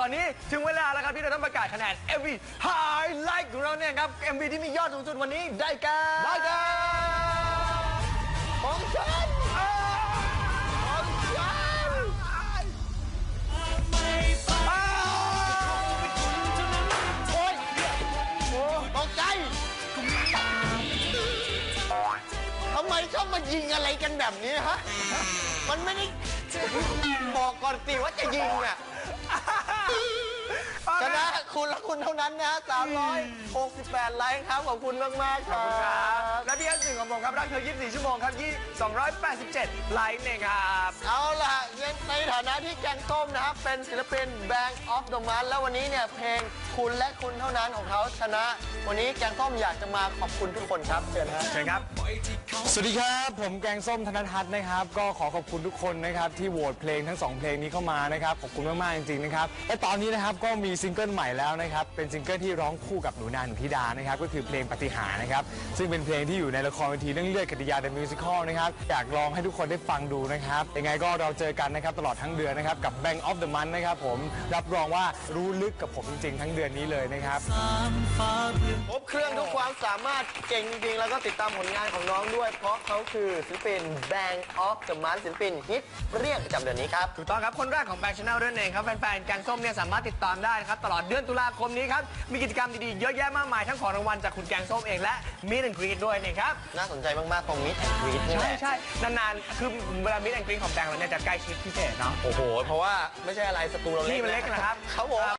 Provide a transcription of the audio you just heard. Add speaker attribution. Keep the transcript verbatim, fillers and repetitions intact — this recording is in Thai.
Speaker 1: อนนี้ถึงเวลาแล้วครับที่เราต้องประกาศคะแนน เอ็ม วี Highlight ของเราเนี่ยครับ เอ็ม วี ที่มียอดสูงสุดวันนี้ได้แก่ได้แก่ของฉันของฉันโอ๊ยตกใจทำไมชอบมายิงอะไรกันแบบนี้ฮะมันไม่ได้บอกก่อนสิว่าจะยิงอ่ะชนะคุณและคุณเท่านั้นนะสามร้อยหกสิบแปดไลค์ครับขอบคุณมากมากครับและพี่อันหนึ่งของผมครับรักเธอยี่สิบสี่ชั่วโมงครับยี่สองร้อยแปดสิบเจ็ดไลค์เนี่ยครับเอาล่ะในฐานะที่แกงส้มนะครับเป็นศิลปิน Bank of the Month แล้ววันนี้เนี่ยเพลงคุณและคุณเท่านั้นของเขาชนะวันนี้แกงส้มอยากจะมาขอบคุณทุกคนครับเชิญครับเชิญครับ
Speaker 2: สวัสดีครับผมแกงส้มธนทัศน์นะครับก็ขอขอบคุณทุกคนนะครับที่โหวตเพลงทั้งสองเพลงนี้เข้ามานะครับขอบคุณมากๆจริงๆนะครับและตอนนี้นะครับก็มีซิงเกิลใหม่แล้วนะครับเป็นซิงเกิลที่ร้องคู่กับหนูนาหนูธิดานะครับก็คือเพลงปฏิหารนะครับซึ่งเป็นเพลงที่อยู่ในละครเวทีเรื่องเลือดกติยา The Musical นะครับอยากลองให้ทุกคนได้ฟังดูนะครับยังไงก็เราเจอกันนะครับตลอดทั้งเดือนนะครับกับ Bank of the Month นะครับผมรับรองว่ารู้ลึกกับผมจริงๆทั้งเดือนนี้เลยนะครับ
Speaker 1: ครบเครื่องทุกความสามารถเก่งจริงๆแล้วก็ติดตามผลงานของน้องด้วยเพราะเขาคือศิลปิน Bank of the Month ศิลปินฮิตเรียกประจำเดือนนี้ครับถูกต้องครับคนแรกของ Bank Channel ด้วยเองครับแฟนๆแกงส้มเนี่ยสามารถติดตามได้นะครับตลอดเดือนตุลาคมนี้ครับมีกิจกรรมดีๆเยอะแยะมากมายทั้งของรางวัลจากคุณแกงส้มเองและมิดแอนด์กรีดด้วยนี่ครับน่าสนใจมากๆตรงมิดแอนด์กรีดนี่แหละใช่ๆนานๆคือเวลามิดแอนด์กรีดของแบงค์เราเนี่ยจะใกล้ชิดพิเศษเนาะโอ้โหเพราะว่าไม่ใช่อะไรสตูเราเล็กนี่มันเล็กนะครับครับผม